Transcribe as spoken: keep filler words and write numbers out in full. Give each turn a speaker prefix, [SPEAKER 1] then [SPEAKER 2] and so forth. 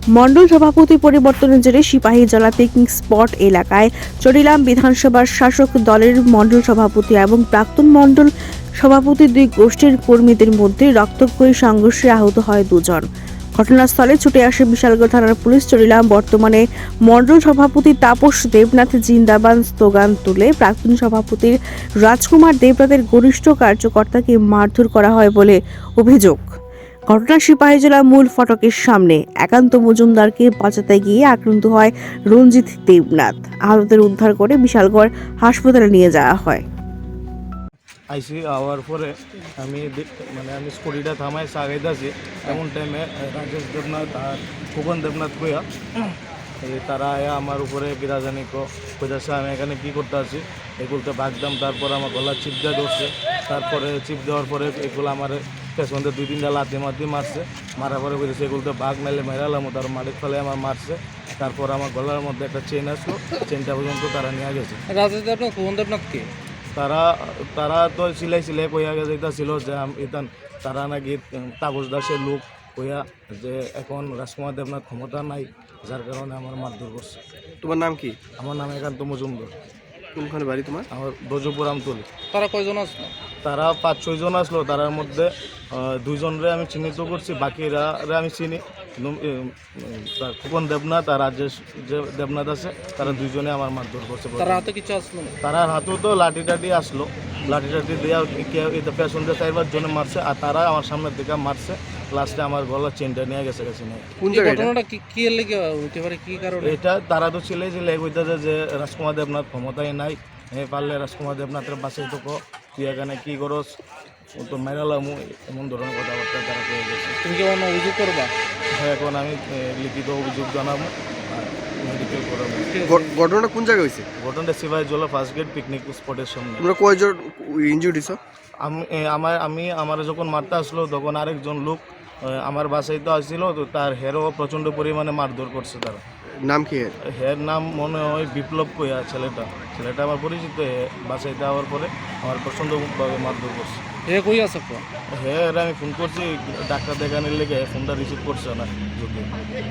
[SPEAKER 1] মণ্ডল সভাপতি পরিবর্তনের জেরে সিপাহীজলা পিকনিক স্পট এলাকায় চরিলাম বিধানসভার শাসক দলের মণ্ডল সভাপতি এবং প্রাক্তন মণ্ডল সভাপতি দুই গোষ্ঠীর কর্মীদের মধ্যে রক্তক্ষয়ী সংঘর্ষে আহত হয় দুজন। ঘটনাস্থলে ছুটে আসে বিশালগড় থানার পুলিশ। চরিলাম বর্তমানে মণ্ডল সভাপতি তাপস দেবনাথ জিন্দাবাদ স্লোগান তুলে প্রাক্তন সভাপতির রাজকুমার দেবনাথের ঘনিষ্ঠ কার্যকর্তাকে মারধর করা হয় বলে অভিযোগ। ঘটনা সিপাহীজলা মূল ফটকের সামনে। একান্ত মজুমদারকে বাঁচাতে গিয়ে আক্রান্ত হয় রঞ্জিত দেবনাথ। আহতদের উদ্ধার করে বিশালগড় হাসপাতালে নিয়ে যাওয়া হয়।
[SPEAKER 2] আইসি আওয়ার পরে আমি মানে আমি স্কুটিটা থামাই আগাইতেছি, এমন টাইমে রাজেশ দেবনাথ আর খোকন দেবনাথ কইয়া তারা আয়া আমার উপরে বিরাজানি কইতাছে আমি এখানে কী করতে আছি, এগুলোতে ভাগদাম। তারপর আমার গলা চিপ দিয়ে ধরছে। তারপরে চিপ দেওয়ার পরে এগুলো আমার পেছনতে দুই তিনটা লাতি মাতি মারছে। মারার পরে বলেছে এগুলোতে বাঘ মেলে মেরালাম, তার মাটির ফলে আমার মারছে। তারপর আমার গলার মধ্যে একটা চেন আসলো, চেনটা পর্যন্ত তারা নিয়ে গেছে।
[SPEAKER 3] রাজেশ দেবনাথ খোকন দেবনাথকে
[SPEAKER 2] তারা তারা তো সিলাই সিলাই কইয়া গেছে এটা ছিল যে ইতান তারা নাকি তাপস দাসের লোক কইয়া যে এখন রাজকুমার দেবনাথ ক্ষমতা নাই, যার কারণে আমার মারধর করছে।
[SPEAKER 3] তোমার নাম কি?
[SPEAKER 2] আমার নাম একান্ত মজুমদার।
[SPEAKER 3] কোনখানে বাড়ি তোমার?
[SPEAKER 2] আমার দজপুর আমতলি।
[SPEAKER 3] তারা কয়জন আসলো?
[SPEAKER 2] তারা পাঁচ ছয়জন আসলো। তার মধ্যে দুইজনরে আমি চিহ্নিত করছি, বাকিরা আমি চিনি। খোকন দেবনাথ আর রাজেশ যে দেবনাথ আছে, তারা দুইজনে আমার মারধর করছে।
[SPEAKER 3] তার হাতে কিছু আসলো না?
[SPEAKER 2] তারা হাতেও তো লাঠি টাঠি আসলো, লাঠি টাঠি দেওয়া এটা পেছন দিয়ে চাইবার জন্য মারছে, আর তারা আমার সামনের দিকে মারছে। লাস্টে আমার গলার চেনটা নিয়ে গেছে গেছে না।
[SPEAKER 3] কোন ঘটনাটা কি কি লেগে হতে পারে, কি কারণে?
[SPEAKER 2] এটা তারা তো ছেলে ছেলে কইতেছে যে রাজকুমার দেবনাথ ক্ষমতায় নাই, এ পারলে রাজকুমার দেবনাথের বাসায় তো তুই এখানে কী করস, ও তো মেরালাম, এমন ধরনের কথাবার্তা তারা পেয়ে গেছে।
[SPEAKER 3] তুমি কি অন্য অভিযোগ করবা?
[SPEAKER 2] হ্যাঁ, এখন আমি লিখিত অভিযোগ জানাবো আর মেডিকেল করাবো।
[SPEAKER 3] ঘটনাটা কোন জায়গায় হয়েছে?
[SPEAKER 2] ঘটনাটা সিপাহীজলা ফার্স্ট গেট পিকনিক স্পটের সামনে।
[SPEAKER 3] তোমরা কয়জন ইনজুর্ড হইছো?
[SPEAKER 2] আমি আমার আমি আমার যখন মারতে আসলো তখন আরেকজন লোক আমার বাসায় তো আসছিল, তো তার হেরও প্রচণ্ড পরিমাণে মারধর করছে। তারা
[SPEAKER 3] নাম কি?
[SPEAKER 2] হের নাম মনে হয় বিপ্লব কইয়া ছেলেটা ছেলেটা আমার পরিচিত। বাসায় যাওয়ার পরে আমার প্রচণ্ডভাবে মারধর করছে।
[SPEAKER 3] হে কই আছে?
[SPEAKER 2] হ্যাঁ, আমি ফোন করছি ডাক্তার দেখানোর লেগে, ফোনটা রিসিভ করছে না যদি